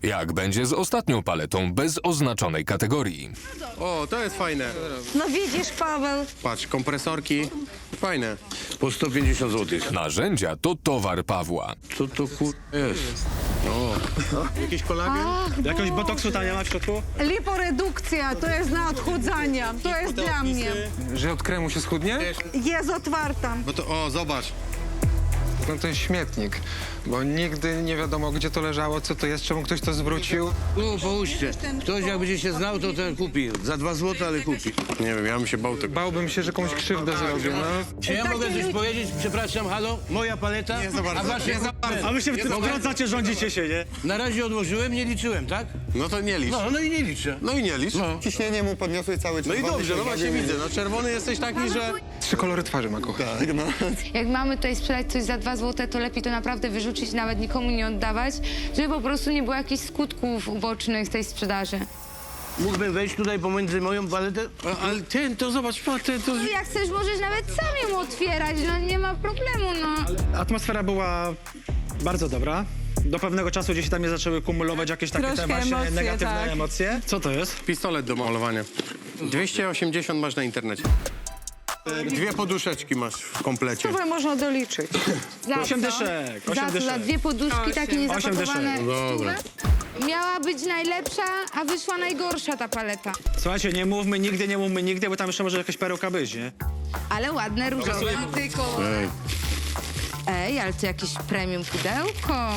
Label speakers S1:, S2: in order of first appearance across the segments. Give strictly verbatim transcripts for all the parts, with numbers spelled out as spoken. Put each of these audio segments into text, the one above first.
S1: Jak będzie z ostatnią paletą bez oznaczonej kategorii?
S2: O, to jest fajne.
S3: No widzisz, Paweł.
S2: Patrz, kompresorki. Fajne.
S4: Po sto pięćdziesiąt złotych.
S1: Narzędzia to towar Pawła.
S4: Co to kur... jest?
S2: Jakiś kolagen?
S5: Jakiegoś botoksu tam nie ma w środku?
S6: Liporedukcja, to jest na odchudzanie. To jest dla mnie.
S7: Że od kremu się schudnie?
S6: Jest otwarta.
S2: Bo to, o, zobacz.
S7: No to jest śmietnik, bo nigdy nie wiadomo, gdzie to leżało, co to jest, czemu ktoś to zwrócił.
S4: No, połóżcie. Ktoś jak będzie się znał, to ten kupi. Za dwa złote, ale kupi.
S2: Nie wiem, ja bym się bał tego.
S7: Bałbym się, że komuś krzywdę zrobił, no.
S4: Czy ja mogę coś powiedzieć? Przepraszam, halo? Moja paleta?
S2: Nie za bardzo.
S4: A wasze...
S2: Nie za bardzo.
S5: A wy się wtrącacie, rządzicie się, nie?
S4: Na razie odłożyłem, nie liczyłem, tak?
S2: No to nie licz.
S4: No, no i nie liczę.
S2: No i nie licz.
S4: No.
S8: Ciśnienie mu podniosłeś cały czas.
S2: No i dobrze, no właśnie widzę. No czerwony jesteś taki, że...
S7: Trzy kolory twarzy ma kochać.
S8: Tak, no.
S9: Jak mamy tutaj sprzedać coś za dwa złote, to lepiej to naprawdę wyrzucić, nawet nikomu nie oddawać, żeby po prostu nie było jakichś skutków ubocznych tej sprzedaży.
S4: Mógłbym wejść tutaj pomiędzy moją paletę?
S2: A, ale ten, to zobacz, pa, ten, to...
S9: Jak chcesz, możesz nawet sam ją otwierać, no nie ma problemu, no.
S5: Atmosfera była bardzo dobra. Do pewnego czasu gdzieś tam nie zaczęły kumulować jakieś takie te
S6: Troszkę
S5: właśnie
S6: emocje,
S5: negatywne
S6: tak.
S5: emocje. Co to jest?
S2: Pistolet do malowania. dwieście osiemdziesiąt masz na internecie. Dwie poduszeczki masz w komplecie.
S6: To można doliczyć.
S9: Za
S5: Osiem
S9: co?
S5: dyszek, osiem
S9: Za co? Za
S5: dyszek.
S9: dwie poduszki takie
S5: Osiem
S9: niezapakowane.
S5: dyszek.
S4: Dobra.
S9: Miała być najlepsza, a wyszła najgorsza ta paleta.
S5: Słuchajcie, nie mówmy nigdy, nie mówmy nigdy, bo tam jeszcze może jakaś perełka być, nie?
S9: Ale ładne, różowe.
S4: Ej.
S9: Ej, ale to jakieś premium pudełko.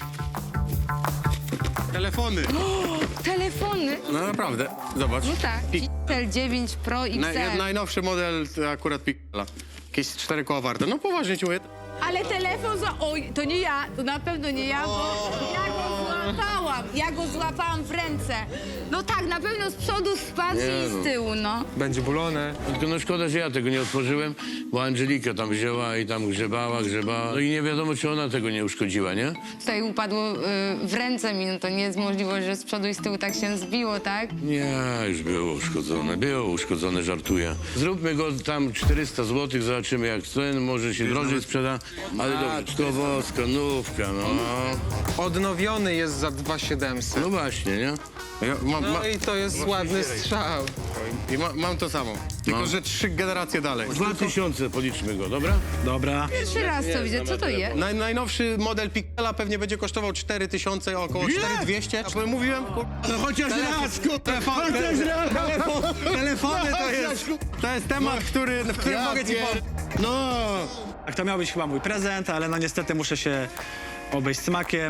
S2: Telefony.
S9: Telefony.
S2: No naprawdę, zobacz.
S9: No tak, Pixel dziewięć Pro X
S2: Naj,
S9: L.
S2: najnowszy model to akurat Pixela. Jakieś cztery koła warte. No poważnie ci mówię.
S6: Ale telefon za... Oj, to nie ja, to na pewno nie ja, bo ja go złapałam. Ja go złapałam w ręce.
S9: No tak, na pewno z przodu spadł i z tyłu, no.
S7: Będzie bulone.
S4: Tylko no szkoda, że ja tego nie otworzyłem, bo Angelika tam wzięła i tam grzebała, grzebała. No i nie wiadomo, czy ona tego nie uszkodziła, nie?
S9: Tutaj upadło y, w ręce mi, no to nie jest możliwość, że z przodu i z tyłu tak się zbiło, tak?
S4: Nie, już było uszkodzone, było uszkodzone, żartuję. Zróbmy go tam czterysta złotych, zobaczymy jak ten, może się drożej sprzeda, ale dobrze, to woska, nówka, no.
S7: Odnowiony jest za dwa siedemset.
S4: No właśnie, nie?
S2: Ja mam, ma,
S7: No i to jest ładny strzał.
S2: i ma, mam to samo. Tylko,
S4: No.
S2: że trzy generacje dalej.
S4: Dwa tysiące policzmy go, dobra?
S5: Dobra.
S9: Pierwszy raz to widzę, co to jest?
S2: Naj, najnowszy model Pixela pewnie będzie kosztował cztery tysiące, około cztery tysiące dwieście. A mówiłem, kur...
S4: No chociaż raz,
S2: telefon, telefon, telefony to jest, to jest temat, który, w którym mogę ci pomóc.
S4: No!
S5: Tak to miał być chyba mój prezent, ale no niestety muszę się obejść smakiem.